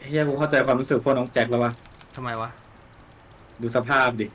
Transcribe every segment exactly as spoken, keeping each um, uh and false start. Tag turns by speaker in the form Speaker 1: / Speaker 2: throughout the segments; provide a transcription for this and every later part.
Speaker 1: เฮียกูเข้าใจความรู้สึกพวกน้องแจ็คแล้ววะ
Speaker 2: ทำไมวะ
Speaker 1: ดูสภาพดิ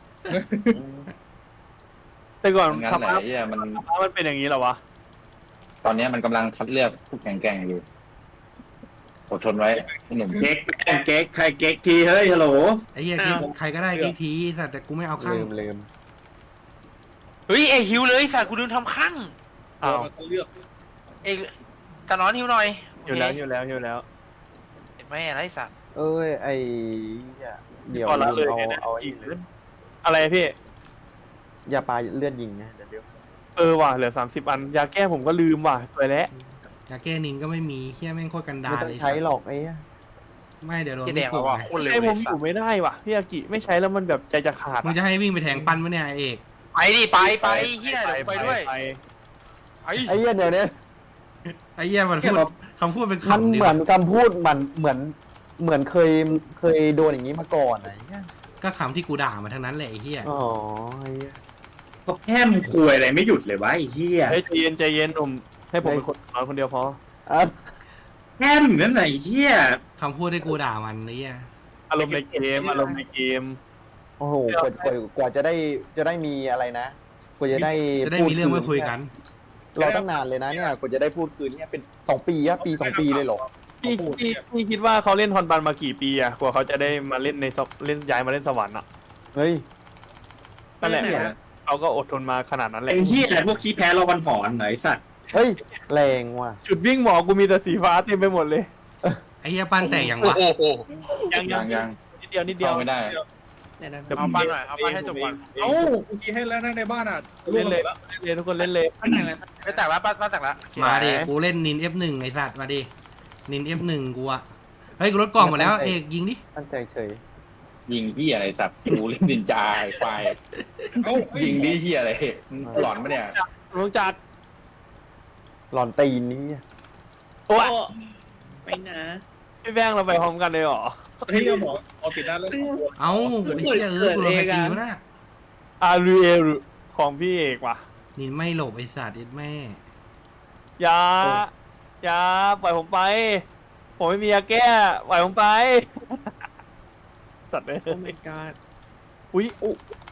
Speaker 3: แต่ก่อน
Speaker 4: งั้น
Speaker 3: ธรร
Speaker 4: ไหน
Speaker 3: มะ
Speaker 4: เนี่ยมัน
Speaker 3: ธรรมะมันเป็นอย่างนี้เหรอวะ
Speaker 4: ตอนนี้มันกำลังคัดเลือกผู้แข่งแกร่งอยู่อดทนไว้หนุ่ม
Speaker 1: เก๊กเก๊กใครเก๊กทีเฮ้ยฮัลโหล
Speaker 2: ไอ้เหี้ยกิ๊กใครก็ได้กิ๊กทีสัตว์แต่กูไม่เอาข้าง
Speaker 5: ลืมลืม
Speaker 6: เฮ้ยเอฮิวเลยสัตว์กูลืมทำข้าง
Speaker 3: อ้าว
Speaker 1: มันเลือก
Speaker 6: เอกตะนอนฮิวหน่อย
Speaker 3: อยู่แล้วอยู่แล้วอยู่แล้ว
Speaker 6: เห็นไหมอะไรสัตว์
Speaker 5: เอ้ยไอ้เหี้ยเดี๋ยว
Speaker 3: พอละเลย
Speaker 5: เอา
Speaker 3: ไงนะ
Speaker 5: เอา
Speaker 3: อี
Speaker 5: อี
Speaker 3: ก
Speaker 5: ก
Speaker 3: อะไรพี่
Speaker 5: ยาปลาเลือดยิงนะเดี๋ยวเดี๋ยว
Speaker 3: เออว่ะเหลือสามสิบอันยาแก้ผมก็ลืมว่ะสวยแล้ว
Speaker 2: ยาแก้นินก็ไม่มีเหี้ยแม่งโคตรกันดา
Speaker 5: ไม่
Speaker 2: ร
Speaker 5: ต้อง
Speaker 2: เลย
Speaker 5: ใช้หรอกไอ้เหี้ย
Speaker 2: ไม่เดี๋ยวโดน
Speaker 6: จะแด
Speaker 2: ไม่
Speaker 6: ง
Speaker 2: ถู
Speaker 6: แล้ว
Speaker 2: ก
Speaker 6: ว่ะ
Speaker 2: ไง
Speaker 6: โคตรเร็ว
Speaker 3: ใช้
Speaker 6: เล
Speaker 3: ผ
Speaker 6: ย
Speaker 3: มอ
Speaker 6: สัต
Speaker 3: ยู่
Speaker 6: ว์
Speaker 3: ไม่ได้ว่ะพี่อากิไม่ใช้แล้วมันแบบใจจะขาด
Speaker 2: มึงจะให้วิ่งไปแทงปั้นวะเนี่ยไอ้เอก
Speaker 6: ไปดิไปไปเฮียเดี๋ยวไปด้วย
Speaker 3: ไป
Speaker 6: ไอ้
Speaker 5: ไอ้เหี้ยเดี๋ยวนี้
Speaker 2: ไอ้เหี้ยมันพูดคำพูดเป็น
Speaker 5: มัน
Speaker 2: คำดิ
Speaker 5: เหมือนคำพูดมันเหมือนเหมือนเคยเคยโดนอย่างนี้มาก่อนไอ้เหี้ย
Speaker 2: ก็คำที่กูด่ามาทั้งนั้นแหละไอ้เหี้ย
Speaker 5: อ๋อไอ้เหี้ย
Speaker 1: เขาแค่มึงคุยอะไรไม่หยุดเลยวะไอ้เหี้ย
Speaker 3: เฮ้ยใจเย็นใจเย็นผมให้ผมเป็นคนนอนคนเดียวพอ
Speaker 5: อ่ะ
Speaker 1: แค่มึงนั่นไหนะไอ้เหี้ย
Speaker 2: คำพูดที่กูด่ามันไอ้เหี้ย
Speaker 3: อารมณ์ในเกมอารมณ์ในเกม
Speaker 5: โอ้โหกว่ากว่ากว่าจะได้จะได้มีอะไรนะกว่าจะได้
Speaker 2: จะได้มีเรื่องมาคุยกัน
Speaker 5: เราตั้งนานเลยนะเนี่ยกว่าจะได้พูดคืนเนี่ยเป็นสองปีอะปีสองปีเลยเหรอ
Speaker 3: พี่พี่พี่คิดว่าเขาเล่นฮอนบันมากี่ปีอะกว่าเขาจะได้มาเล่นในสวเล่นย้ายมาเล่นสวรรค์อะ
Speaker 5: เฮ้ย
Speaker 3: นั่นแหละเขาก็อดทนมาขนาดนั้นแหละ
Speaker 1: ไอ้เหี้ยพวกขี้แพ้เราวันหอนไหนสัตว์
Speaker 5: เฮ้ยแรงว่ะ
Speaker 3: จุดวิ่งหมอกูมีแต่สีฟ้าเต็มไปหมดเลย
Speaker 2: ไอ้เหี้ยปั้นแตกอย่าง
Speaker 6: โอ้
Speaker 2: วะ
Speaker 6: โห
Speaker 3: ยัง
Speaker 4: ยั
Speaker 3: ยัง
Speaker 4: งยัง
Speaker 3: นิดเดียวนิดเดียว
Speaker 4: เข้าไม่ได้
Speaker 6: เอาปั้นหน่อยเอาปั้นให้จบก่อน
Speaker 1: เอ้ากูขี้ให้แล้วนะในบ้านอ่ะ
Speaker 3: เล่นเลยเล่นเลยทุกคนเล่นเลย
Speaker 6: ไปแตกแล้วปั้นปั้นแตกแล้ว
Speaker 2: มาดิกูเล่นนิน เอฟ หนึ่ง ไอ้สัตว์มาดินิน เอฟ หนึ่ง กูอะเฮ้ยกูลดกล่องหมดแล้วเอกยิงดิ
Speaker 5: ตั้งใจเฉย
Speaker 4: ยิงที่อะไรสัตว์กูเล่นดินจาไอ้ควายยิงที่เฮียอะไรมึงหลอนปะเนี่ย
Speaker 3: ลุงจัด
Speaker 5: หลอนตีนนี่
Speaker 3: โอ้ย
Speaker 7: ไปนะ
Speaker 3: พี่แบงค์เราไปพร้อมกันเลยเหรอ
Speaker 1: เฮ้ยเอาหมอเอาติดด้านแล้ว
Speaker 2: เอ้าไอ้เหี้ยเออกูโดนใครตีวะน่ะ
Speaker 3: อารูเอลของพี่เอกว่ะ
Speaker 2: นินไม่หลบไอ้สัตว์เอ็ดแม่
Speaker 3: อย่าอย่าปล่อยผมไป ผมไม่มียาแก้ปล่อยผมไป สัตว์เลย
Speaker 7: โอ้ my god
Speaker 3: อุ้ยอุ๊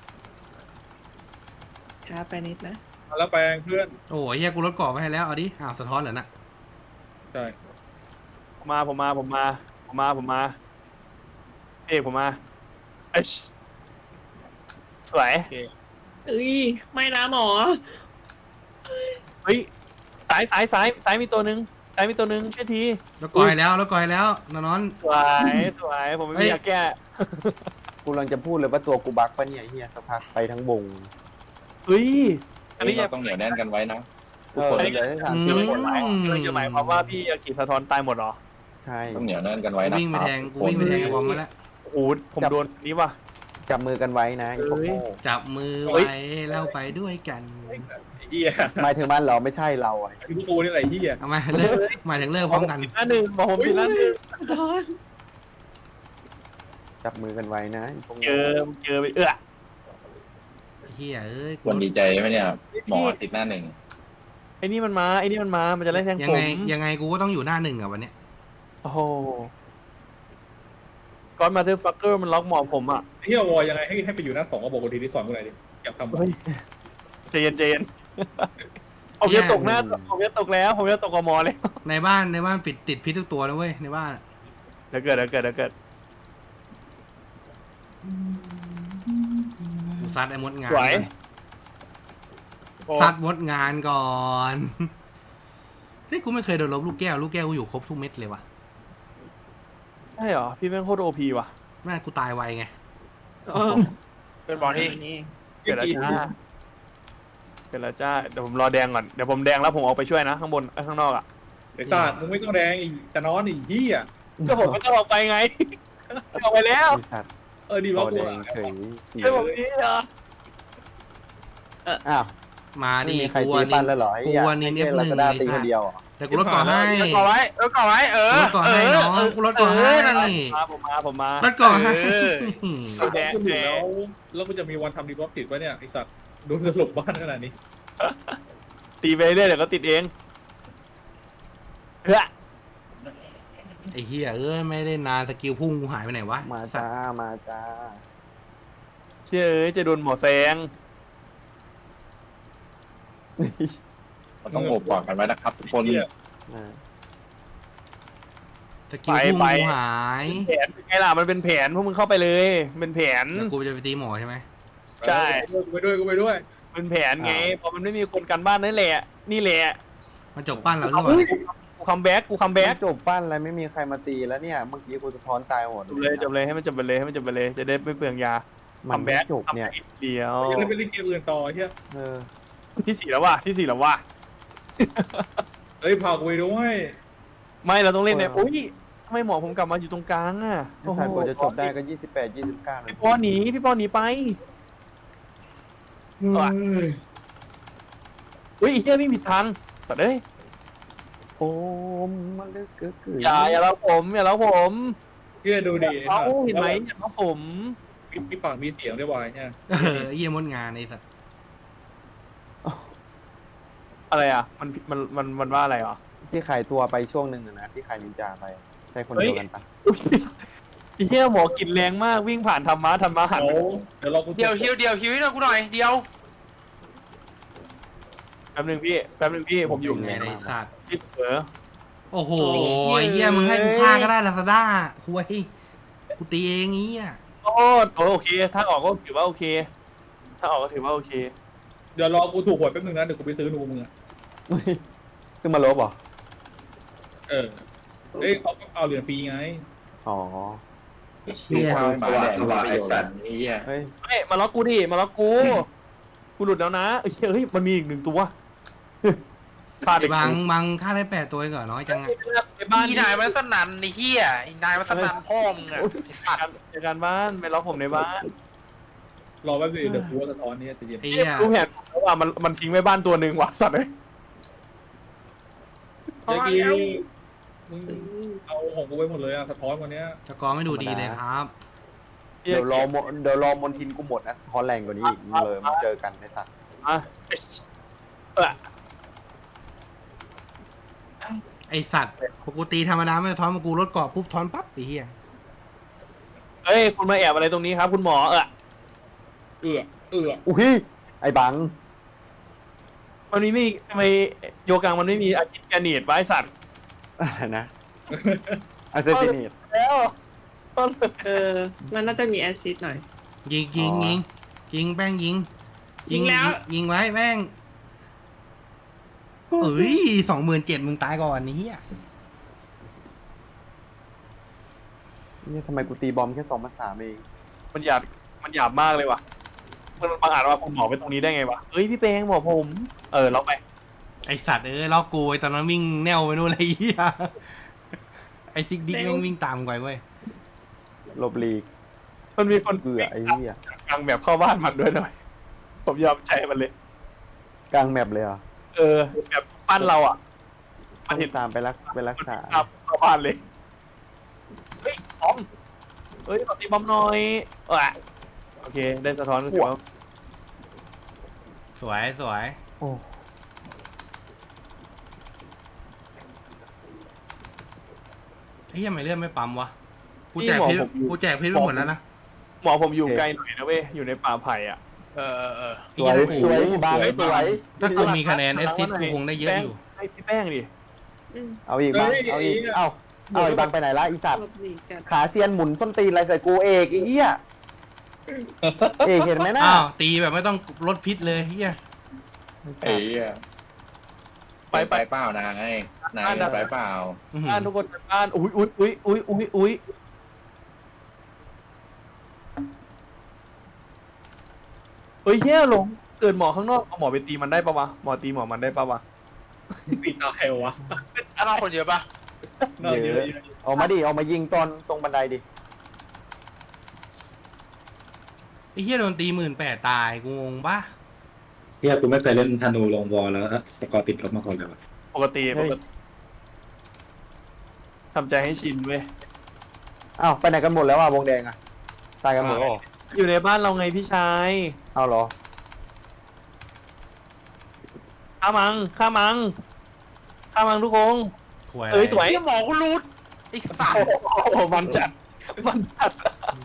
Speaker 7: ช้าไปนิดนะ
Speaker 1: แล้วแปลงเพื่อน
Speaker 2: โอ้ยเหี้ยกูลดกล่องไปให้แล้วเอาดิอ้าวสะท้อนเหรอน่ะ
Speaker 1: ใช่
Speaker 3: ผมมาผมมาผมมาผมมาผมมาพี่เอกผมมาเอ้ยสวย
Speaker 7: เอ้ย ไม่นะหมอ
Speaker 3: เฮ้ยสายสายสายสายมีตัวหนึ่งสายมีตัวหนึ่งช่วยที
Speaker 2: ลดกล่องให้แล้วลดกล่องให้แล้วนอน
Speaker 3: สวยสวยผมไม่
Speaker 2: เฮ้
Speaker 3: มี
Speaker 2: ย
Speaker 3: ยาแก้
Speaker 5: กูกำลังจะพูดเลยว่าตัวกูบักปะเนี่ยไอ้เฮียสักพักไปทั้งวง
Speaker 3: เฮ้ยอั
Speaker 4: อั
Speaker 3: น
Speaker 4: น
Speaker 3: นี้
Speaker 4: นี้
Speaker 3: อย่า
Speaker 4: เราต้องเหนียวแน่นกันไว้นะ
Speaker 5: เออเหลือแค่สาม
Speaker 2: อื
Speaker 5: สิบ
Speaker 2: ม
Speaker 5: คนแล้ว
Speaker 3: กำลังจะหมายความว่าพี่ยากิสะท้อนตายหมดเหรอ
Speaker 5: ใช่
Speaker 4: ต้องเหนียวแน่นกันไว้
Speaker 2: กู
Speaker 4: นะ
Speaker 2: วิ่งไปแทงกูวิ่งไปแทงไอ้บอมมาแล้ว
Speaker 3: โอ้โหผมโดนอันนี้ว่ะ
Speaker 5: จับมือกันไว้นะไอ้พวก
Speaker 3: เฮ้ย
Speaker 5: โง่
Speaker 2: จับมือ
Speaker 3: เฮ้ย
Speaker 2: ไว้แล้วไปด้วยกัน
Speaker 1: ไอ้เหี้ย
Speaker 5: หมายถึงมันเหรอไม่ใช่เราอ่ะ
Speaker 1: ไอ้พวกกูนี่อะไรเหี้ย
Speaker 2: เอามาเลิกหมายถึงเลิกพร้อมกัน
Speaker 3: หน้าหนึ่งบอกผมผิดหน้าหนึ่ง
Speaker 7: ทอน
Speaker 5: จับมือกันไว้นะไอ้พวก
Speaker 3: เจ
Speaker 5: โง่
Speaker 3: อเจอไปเอื้อ
Speaker 2: เฮียเอ้ย
Speaker 4: ควรดีใจไหมเนี่ยหมอติดหน้าหนึ่ง
Speaker 3: ไอ้นี่มันมาไอ้นี่มันมามันจะไล่แทง
Speaker 2: ยั
Speaker 3: ผ
Speaker 2: ง
Speaker 3: ม
Speaker 2: ไงยังไงกูก็ต้องอยู่หน้าหนึ่งอะวันเนี้ย
Speaker 3: โอ้โหก้อนมาเธอฟักเกอร์มันล็อกหมอผมอ่ะ
Speaker 1: ไอ้เหี้ยวอยังไงให้ให้ไปอยู่หน้าสองก็บอกคนทีที่สอนกูหน่อยดิอยากทำ
Speaker 3: เฮ้ยใจเย็นใจเย็นผมจะตกหน้าผมจะตกแล้ว ผมจะตกกับหมอเลย
Speaker 2: ในบ้านในบ้านปิดติดพิษทุกตัวนะเว้ยในบ้านอะ
Speaker 3: เดี๋ยวเกิดเดี๋ยวเกิดเดี๋ยวเกิด
Speaker 2: กูซัดไอ้มดงาน
Speaker 3: สวย
Speaker 2: ซัดมดงานก่อนเฮ้ยกูไม่เคยโดนลบลูกแก้วลูกแก้วกูอยู่ครบทุกเม็ดเลยว่ะ
Speaker 3: ใช่เหรอพี่แม่งโคตรโอพีว่ะ
Speaker 2: แม่กูตายไวไง
Speaker 7: อ๋อ
Speaker 6: เป็นบอลที่
Speaker 7: นี่
Speaker 3: เกิดแล้วจ้าเกิดแล้วจ้าเดี๋ยวผมรอแดงก่อนเดี๋ยวผมแดงแล้วผมออกไปช่วยนะข้างบนไอ้ข้างนอกอ่ะ
Speaker 1: ไอ้สัตว์มึงไม่ต้องแดงอีกแต่นอนอีกเหี้ย
Speaker 3: ก็ผมก็จะออกไปไงออกไปแล้ว
Speaker 5: ไอ้สัตว์
Speaker 1: เออดี
Speaker 5: ตั
Speaker 1: แล้ว
Speaker 5: ว
Speaker 1: กู
Speaker 5: แด
Speaker 1: อะ
Speaker 5: งเฉย
Speaker 3: ไอ้ผมนี่เหรอ
Speaker 5: อ้าว
Speaker 2: มา
Speaker 5: ไม่
Speaker 2: ดิ
Speaker 5: มีใคร
Speaker 2: กู
Speaker 5: ตี
Speaker 2: นิ
Speaker 5: ปั้น
Speaker 2: น
Speaker 5: แล้วเหรอไอ้
Speaker 2: กู
Speaker 5: เหี้ย
Speaker 2: วันนี้
Speaker 5: ให้
Speaker 2: เอฟ
Speaker 5: แค่
Speaker 2: ห
Speaker 5: ลา
Speaker 2: นึ่ง
Speaker 5: ซาด้า
Speaker 2: เลย
Speaker 5: ตีค
Speaker 2: ค่ะ
Speaker 5: นเดียวเหรอ
Speaker 2: แต่กูลดก่อนให้
Speaker 6: เออก่อไว้เออก่อไว้เออ
Speaker 2: ลดก่อน
Speaker 6: เอ
Speaker 2: ให้
Speaker 6: อ
Speaker 2: น้อง
Speaker 6: เออ
Speaker 2: กูลดก่อนให้
Speaker 6: นั่นแหละ
Speaker 3: มาผมมาผมมา
Speaker 2: ลดก่อนให้
Speaker 6: เออ
Speaker 3: เอาแดง
Speaker 1: กูอยู่
Speaker 3: แด
Speaker 1: แล้
Speaker 3: ง
Speaker 1: วแล้วกูจะมีวันทำดีบล็อกติดไว้เนี่ยไอ้สัตว์โดนสลบบ้านขนาดนี้
Speaker 3: ตีไปเรื่อยเดี๋ยวก็ติดเองเฮ้ย
Speaker 2: ไอ้เหี้ยเอ้ยไม่ได้นานสกิลพุ่งกูหายไปไหนวะ
Speaker 5: มาจ้ามาจ้า
Speaker 3: เชื่อเอ้ยจะโดนหมอแซง
Speaker 4: มันต้องโอบกอดกันไว้นะครับทุกคน
Speaker 1: เหี้ย
Speaker 2: สกิลพุ่งกูหาย
Speaker 3: แผนเป็นไงล่ะมันเป็นแผนพวกมึงเข้าไปเลยเป็นแผน
Speaker 2: แล้วกูจะไปตีหมอใช่ไหม
Speaker 3: ใช่
Speaker 1: กูไปด้วยกูไปด้วย
Speaker 3: เป็นแผนไงพอมันไม่มีคนกันบ้านนั่นแหละนี่แหละ
Speaker 2: มันจบปั้นแล้วหรือเปล่า
Speaker 3: กูคัมแบ็กกูคัมแบ็ก
Speaker 5: จบปั้นอะไรไม่มีใครมาตีแล้วเนี่ย เมื่อกี้กูสะท้อนตายหมด
Speaker 3: จบเลยจบเลยให้มันจบไปเลยให้มันจบไปเลยจะได้ไม่เปลืองยา
Speaker 5: มั
Speaker 3: คั
Speaker 5: น
Speaker 3: ม
Speaker 5: ไม่
Speaker 3: แบ็ก
Speaker 5: จบเนี่ย
Speaker 3: เดียว
Speaker 1: ยังไม่ไปเล่นเกมอื่นต่อเฮีย
Speaker 5: เออ
Speaker 3: ที่สี่แล้วว่ะที่สี่แล้วว่ะ
Speaker 1: เฮ้ยพากูไปด้วย
Speaker 3: ไม่เราต้องเล่นเนี่ยอุ้ยทำไมหมอผมกลับมาอยู่ตรงกลางอ่ะ
Speaker 5: ไอ้สัตว์กว่าจะจบได้ก็ยี่สิบแปดยี่สิบเก้า
Speaker 3: พี่ปอหนีพี่ปอหนีไปอุ้ยเฮียไม่มีทางแต่เด้ย
Speaker 5: โอ้มันลึกกึกกึก
Speaker 3: อย่าอย่าเล้าผมอย่าเล้าผม
Speaker 1: เฮียดูดิ
Speaker 3: เขาเห็นไหมอย่าเล้าผม
Speaker 1: มีมีปากมีเสียงด้วยวายเนี่ย
Speaker 2: เออไอ้เหี้ยมดงานไอ้สัตว์
Speaker 3: อะไรอ่ะมันมันมันมันว่าอะไรอ่ะ
Speaker 5: ที่ขายตัวไปช่วงหนึ่งอะนะที่ขายนินจาไปใช่คนเดียวกันปะ
Speaker 3: อุ๊ยไอ้เหี้ยหมอกินแรงมากวิ่งผ่านธรรมะธรรมะหัน
Speaker 1: เดี๋ยวเดี๋ยวเรากู
Speaker 6: เดี๋ยวฮิวเดี๋ยวฮิวให้เรากูหน่อยเดี๋ยว
Speaker 3: แป๊บนึงพี่แป๊บนึงพี่ผมอยู่
Speaker 2: ไงไอ้สัตว์
Speaker 3: พี่เถอ
Speaker 2: โอ้โหไอ้เหี้ยมึงให้กูฆ่าก็ได้ลาซาด้าคุยกูตีเองงี้อ่ะ
Speaker 3: โอ้โอเค ถ้าออกก็ถือว่าโอเค ถ้าออกก็ถือว่าโอเค
Speaker 1: เดี๋ยวรอกูถูกหวยแป๊บนึงนะเดี๋ยวกูไปซื้อนูมึงอ่ะ
Speaker 5: ขึ้นมาลบเหรอ
Speaker 1: เออเอ้ยเขาเอาเหรียญฟรีไง
Speaker 5: อ๋อ
Speaker 4: ดูความหมาแดงว่าไอ้สัตว์นี่อ่ะ
Speaker 5: เฮ้ย
Speaker 3: เฮ้ยมาล็อกกูดิมาล็อกกู กูหลุดแล้วนะเอ้ยเฮ้ยมันมีอีกหนึ่งตัวพลาดอีก
Speaker 2: บางบางฆ่าได้แปดตัวเองเหรอน้อยจังอ่ะ
Speaker 3: ไปบ้าน
Speaker 6: อีนายมันสนั่นไอ้เหี้ยไอ้นายมันสนั่นพ่อมึงอะไอ้สัตว์
Speaker 3: ในการบ้านไปล็อกผมในบ้าน
Speaker 1: รอแป๊บนึงเดี๋ยวกูว่าสะท้อนนี่จะเย็น
Speaker 2: ไอ้เหี้ย
Speaker 3: รู้แผนแล้วว่ามันมันทิ้งไว้บ้านตัวหนึ่งว่ะสัตว์เลย
Speaker 1: เมื่อกี้มึงเอาของกูไปหมดเลยอะสะท้อนวันเนี้ย
Speaker 2: สกอร์ไม่ดูดีเลยครับ
Speaker 5: เดี๋ยวรอมเดี๋ยวรอมนทินกูหมดนะฮอลแรงกว่านี้อีกมึงเลยมาเจอกันในสัตว์
Speaker 3: อ่ะเออ
Speaker 2: ไอสัตว์ปกติธรรมดาไม่ทอนมากูรถเกาะปุ๊บทอนปั๊บไอ้เหี้ย
Speaker 3: เฮ้ยคุณมาแอบอะไรตรงนี้ครับ คุณหมอเออ
Speaker 1: เอือเอือ
Speaker 5: อุ้ยไอ้บัง
Speaker 3: มันมีไม่ทำไมโยกังมันไม่มีอาจิตแกนีดไว้สัตว์
Speaker 5: อะไรนะอาเซซินีต
Speaker 3: แล้ว
Speaker 7: เออ มันน่าจะมีแอซซิดหน่อย
Speaker 2: ยิงยิง
Speaker 5: อ๋อ
Speaker 2: ยิงยิงแป้งยิง
Speaker 7: ยิงแล้ว
Speaker 2: ยิงไว้แป้งเอ้ยสองหมื่นเจ็ดมึงตายก่อนนี่เหี้ย
Speaker 5: นี่ทำไมกูตีบอมแค่สองพันสามเอง
Speaker 3: มันหยาบมันหยาบมากเลยว่ะมันบางอาจว่าคุณหมอไปตรงนี้ได้ไงวะเฮ้ยพี่เปงหมอผม เออเราไป
Speaker 2: ไอสัตว์เอ้ยล็อกกูไอตอนนั้นวิ่งแนวไปนู่นเลยไอ้เหี้ยไอซิกดิ๊กแม่งวิ่งตามกูไปเว้ย
Speaker 5: ลบลีก
Speaker 3: มันมีคน
Speaker 5: เบื่อไอ้เหี้ย
Speaker 3: กลางแบบเข้าบ้านมันด้วยหน่อย ผมยอมใจมันเลย
Speaker 5: กลางแมปเลยเหรอ
Speaker 3: เออแบบปั้นเราอ่ะ มันเห็น
Speaker 5: ตามไปรักไปรัก
Speaker 3: มัน
Speaker 5: ษา
Speaker 3: ตามเข้าบ้านเลย เฮ้ยบอมเฮ้ยขอตีบอมหน่อยเออโอเค ได้สะท้อนก็ถือว่า
Speaker 2: สวยสวย
Speaker 5: โอ้
Speaker 2: ไอ้เหี้ยไม่เลื่อนไม่ปั๊มวะกูแจกเพชรกูแจกเพชรไปหมดแล้วนะ
Speaker 3: หมอผมอยู่ไกลหน่อยนะเว้ย อยู่ในป่าไผ่อ่ะ
Speaker 6: เออเออเออ
Speaker 5: สวยสวยบางสวย
Speaker 2: ถ้ากูมีคะแนนเอสซิสกูคงได้เยอะอยู่
Speaker 3: ให้พี่แป้งดิ
Speaker 7: อืม
Speaker 5: เอาอีกบางเอาอีกเอ้าเอาอีกบางไปไหนละอีสัตว์
Speaker 7: หลบหลีกกัน
Speaker 5: ขาเซียนหมุนส้นตีนอะไรใส่กูเอกไอ้เหี้ยเอกเห็นไหมน่ะ
Speaker 2: อ้าวตีแบบไม่ต้องลดพิษเลยเหี้ย
Speaker 4: ไอ้เหี้ย
Speaker 3: ไปไป
Speaker 4: ไปเปล่านายนายไปเปล่า
Speaker 2: อื้อหือ
Speaker 3: บ้านทุกคนบ้านอุ้ยอุ้ยอุ้ยอุ้ยอุ้ยอุ้ยเฮ้ยเฮียหลงเกิดหมอข้างนอกเอาหมอไปตีมันได้ปะวะหมอตีหมอมันได้ปะวะ
Speaker 1: สีตาเฮลวะ
Speaker 6: อ้าวคนเยอะปะ
Speaker 1: น่าเยอะ
Speaker 5: ออกมาดิออกมายิงตอนตรงบันไดดิ
Speaker 2: ไอ้เหี้ยโดนตีหมื่นแปดตายกูงงปะ
Speaker 8: เฮียกูไม่เคยเล่นธนูลงวอลแล้วสกอร์ติดลบมาก่อนเลยวะ
Speaker 3: ปกติปกติทำใจให้ชินเว้ย
Speaker 5: อ้าวไปไหนกันหมดแล้วอ่ะวงแดงอ่ะตายกันหมดแล้วเหรอ
Speaker 3: อยู่ในบ้านเราไงพี่ชาย
Speaker 5: เอาเหรอ
Speaker 3: ฆ่ามังฆ่ามังฆ่ามังทุกคน
Speaker 2: ถวย
Speaker 3: เอ้ยสวย
Speaker 6: ไอ้หมอกูรูดไอ้สัตว์
Speaker 3: โอ้โหมันจัดมันจัด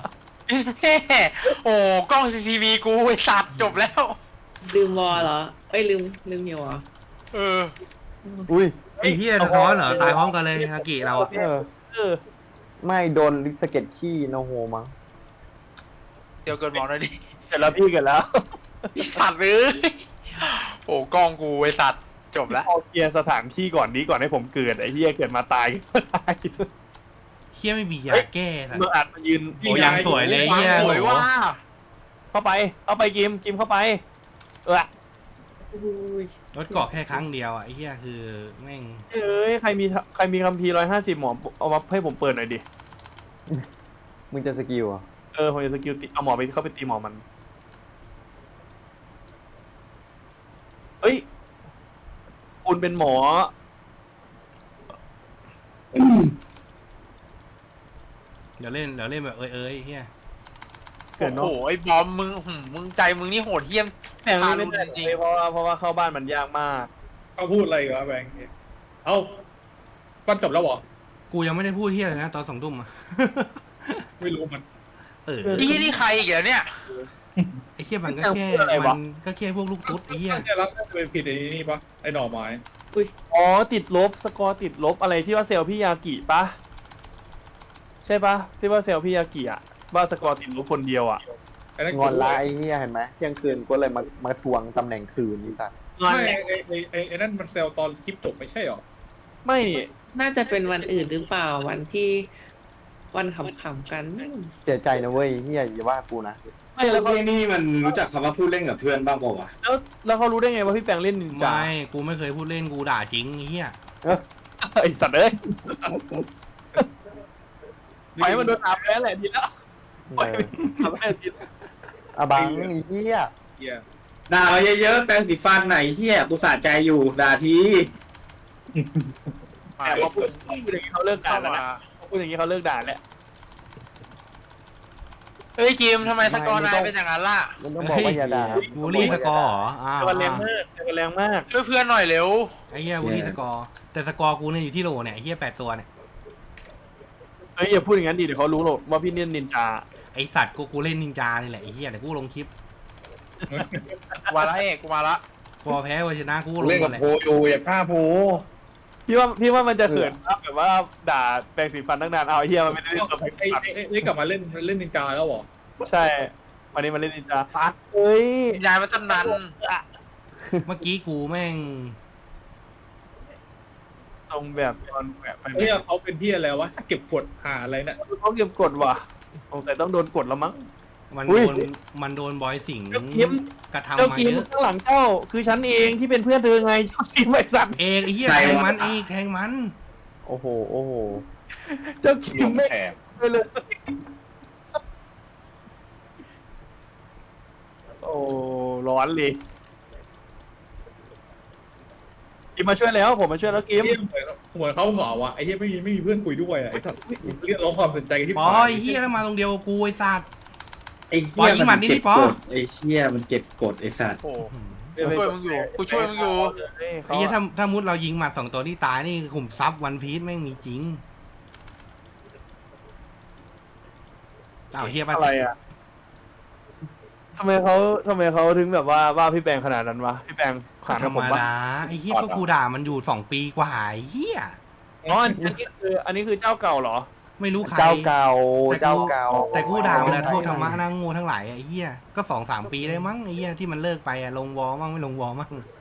Speaker 6: โอ้กล้องซีซีทีวีกูไอ้สัตว์จบแล้ว
Speaker 7: ลืมวอลเหรอเอ้ยลืมลืมหิวเหรอ
Speaker 6: เออ
Speaker 5: อุ้ย
Speaker 2: ไอ้เฮียสะท้อนเหรอตายพร้อมกันเลยฮากิเราอะ
Speaker 5: เออ
Speaker 3: เออ
Speaker 5: ไม่โดนลิกสเก็ตขี้โนโฮมั้ง
Speaker 6: เดี๋ยวเกิดหมองหน่อยดิ
Speaker 3: เกิดแล้วพี่เกิดแล้ว
Speaker 6: ไอ้สัตว์เลยโอ้กล้องกูไอ้สัตว์จบแล้ว
Speaker 3: เอาเคลียร์สถานที่ก่อนนี้ก่อนให้ผมเกิดไอ้เหี้ยเกิดมาตายก็ตาย
Speaker 2: เฮียไม่มียาแก้สัตว์
Speaker 3: เมื่ออัดมายืน
Speaker 2: โอ้ยังสวยเลยเฮีย
Speaker 3: สวยว่าเข้าไปเข้าไปกิมกิมเข้าไปเออ
Speaker 7: อุ้ย
Speaker 2: รถเกาะแค่ครั้งเดียวอะไอ้เฮียคือแม่ง
Speaker 3: เอ้ยใครมีใครมีคัมภีร์ร้อยห้าสิบหมอเอามาให้ผมเปิดหน่อยดิ
Speaker 5: มึงจะสกิลอ่ะ
Speaker 3: เออผมจะสกิลตีเอาหมอไปเข้าไปตีหมอมันเฮ้ยคุณเป็นหมอ
Speaker 2: เดี๋ยวเล่นเดี๋ยวเล่นแบบเอ้ยเอ้ยเฮีย
Speaker 3: เกิด
Speaker 6: โอ้
Speaker 3: เนาะ
Speaker 6: โหไอ้บอมมึงหืมมึงใจมึงนี่โหดเหี้ยม
Speaker 3: แม่งไม่ได้จริงเพราะว่าเพราะว่าเข้าบ้านมันยากมาก
Speaker 1: เขาพูดอะไรกันวะแบงค์เอ้าปั้นจบแล้วเหรอ
Speaker 2: กูยังไม่ได้พูดเฮียเลยนะตอนสองทุ่มอะ
Speaker 1: ไม่รู้มัน
Speaker 2: เออ
Speaker 6: ไอ้ที่นี่ใครอีกเหรอเนี่ย
Speaker 2: ไอ้เฮียมันก็แค่มันก็แค่พวกลูกตุ๊ดไอ้เฮีย
Speaker 1: น่าจะรับเป็นผิดไอ้นี่ปะไอ้หน่อไม้
Speaker 3: อ๋อติดลบสกอร์ติดลบอะไรที่ว่าเซลล์พี่ยากิปะใช่ปะที่ว่าเซลล์พี่ยากิอะว่าสกอร์ติดลบคนเดียวอะ
Speaker 1: ไอ้นั่น
Speaker 5: งอนละไอ้เหี้ยเห็นไหมเที่ยงคืนก็เลยมามาทวงตำแหน่งคืนนี่สัตว์
Speaker 3: งอน
Speaker 1: ไม่
Speaker 3: แหละ
Speaker 1: ไอ้ไอ้ไอ้ไอ้นั่นมันเซลตอนคลิปจบไม่ใช่หรอ
Speaker 3: ไม่นี่
Speaker 7: น่าจะเป็นวันอื่นหรือเปล่าวันที่วันขำๆกัน
Speaker 5: เสียใจนะเว้ยเหี้ยอย่าว่ากูนะ
Speaker 3: ไม่แล้วเขา
Speaker 8: ที่นี่มันรู้จักคำว่าพูดเล่นกับเพื่อนบ้างเปล่าวะ
Speaker 3: แล้วแล้วเขารู้ได้ไงว่าพี่แปงเล่นนินจา
Speaker 2: ไม่กูไม่เคยพูดเล่นกูด่าจริงไอ้เฮีย
Speaker 3: ไอสัตว์เอ้ยไปมันโดนอาบแล้วแหละทีแล้ว
Speaker 5: เออ
Speaker 3: อาบแล้วทีแล้ว
Speaker 5: อะบังไอ้เหี้ย
Speaker 1: เฮีย
Speaker 8: ด่ามาเยอะๆแปรงสีฟันไหนเฮียกูสะใจอยู่ด่าที
Speaker 3: แต่พอพูดพูดอย่างนี้เขาเลิกด่า
Speaker 6: เข้า
Speaker 3: แล้ว
Speaker 6: มา
Speaker 3: นะพอพูดอย่างนี้เขาเลิกด่าแล้ว
Speaker 6: เฮ้ยจิมทำไมสกอร์นายเป็นอย่างนั้นล่ะ
Speaker 5: มันต้องบอกว่าอย่าด่า
Speaker 2: บูลลี่สกอร์เหรออ่า
Speaker 3: แต่มันแรงมากแต่มันแรงมาก
Speaker 6: ช่วยเพื่อนหน่อยเร็ว
Speaker 2: ไอ้เฮียบูลลี่สกอร์แต่สกอร์กูเนี่ยอยู่ที่โหลเนี่ยไอ้เฮียแปดตัวเนี่ย
Speaker 3: เฮ้ยอย่าพูดอย่างนั้นดิเดี๋ยวเขารู้หรอกว่าพี่เล่นนินจา
Speaker 2: ไอสัตว์กูกูเล่นนินจานี่แหละไอ้เฮียเดี๋ยวกูลงคลิป
Speaker 6: กูมาละเอกกูมาละ
Speaker 2: พอแพ้วันชนะกูก็ลง
Speaker 4: เล่น
Speaker 2: หม
Speaker 4: กั
Speaker 2: ด
Speaker 4: บ
Speaker 2: เลย
Speaker 4: โพอยู่อย่าฆ่าโพ
Speaker 3: พี่ว่าพี่ว่ามันจะเขินมากแบบว่าด่าแปรงสีฟันตั้งนานเอาไอ้เฮียมันไม่ได้เล่นกับแปรง
Speaker 1: ไอ้
Speaker 3: สีฟัน
Speaker 1: ไอ้ไอ้กลับมาเล่นเล่นนินจาแล้วเหรอ
Speaker 3: ใช่วันนี้มันเล่นนินจาเฮ้ย
Speaker 6: ยายมาตั้งนาน
Speaker 2: เมื่อกี้กูแม่ง
Speaker 3: ทรงแบบตอนแบบไป
Speaker 1: เฮ้ยเขาเป็นที่อะไรวะเก็บกดหาอะไรเนี่ย
Speaker 3: เขาเก็บกดว่ะสงสัยต้องโดนกดแล้วมั้ง
Speaker 2: มัน
Speaker 3: อุ้
Speaker 2: โด
Speaker 3: ย
Speaker 2: นมันโดนบอยสิงห์
Speaker 3: เจ้าคิม
Speaker 2: กระทำ
Speaker 3: เจ้า
Speaker 2: มา
Speaker 3: กิม
Speaker 2: เยอะ
Speaker 3: ข้างหลังเจ้าคือฉันเองที่เป็นเพื่อนเธอไงเจ้ากิมไอ้สัตว์
Speaker 2: เอกไอ้เหี้ย
Speaker 8: ใคร
Speaker 2: แทง
Speaker 8: วะ
Speaker 2: มันเอกแทงมัน
Speaker 5: โอ้โหโอ้โห
Speaker 3: เจ้ากิมไม่
Speaker 4: แถบ
Speaker 3: ไปเลยโอ้ร้อนเลยกิมมาช่วยแล้วผมมาช่วยแล้วกิม
Speaker 1: เฮียเหมือนเหมือนเขาเหงาอ่ะไอ้เฮียไม่มีไม่มีเพื่อนคุยด้วยอ่ะไอ้สัตว์เรียกร้องความสนใจกันที่
Speaker 2: ปอไอ้เหี้ยแล้วมาตรงเดียวกับกูไอ้สัตว์
Speaker 8: ไอ้
Speaker 2: ปล่
Speaker 8: เฮี
Speaker 2: อย ยยิงหมัดนี่
Speaker 8: เก็
Speaker 2: ดิ
Speaker 8: บ
Speaker 2: ปอ
Speaker 8: กดไอ้เฮียมันเก็บกดไอ้สัตว์
Speaker 6: โอ้กูช่วยมึงอยู่กูช่วยมึงอยู่
Speaker 2: ไอ้เหี้ยถ้าถ้ามุดเรายิงหมัดสองตัวที่ตายนี่ขุมทรัพย์วันพีชแม่งมีจริงอ้าวเหี้ยปะ
Speaker 3: อะไรอ่ะทำไมเขาทำไมเขาถึงแบบว่าว่าพี่แปงขนาดนั้นวะพี่แปง
Speaker 2: ก็
Speaker 3: ขาน
Speaker 2: ธร
Speaker 3: กับ
Speaker 2: ร
Speaker 3: ผม มปะ
Speaker 2: ดาไอ้เหี้ยก็กูด่ามันอยู่สองปีกว่าไอ้เหี้ย
Speaker 3: อ๋ออันนี้คืออันนี้คือเจ้าเก่าเหรอ
Speaker 2: ไม่รู้ใคร
Speaker 5: เจ้าเก่า
Speaker 2: แต่กู
Speaker 5: เจ้าเก่า
Speaker 2: แต่กูด่ามันนะโทษธรรมะนั่งโง่ทั้งหลายไอ้เหี้ยก็สองสามปีได้มั้งไอ้เหี้ยที่มันเลิกไปอะลงวอมั่งไม่ลงวอมั่ง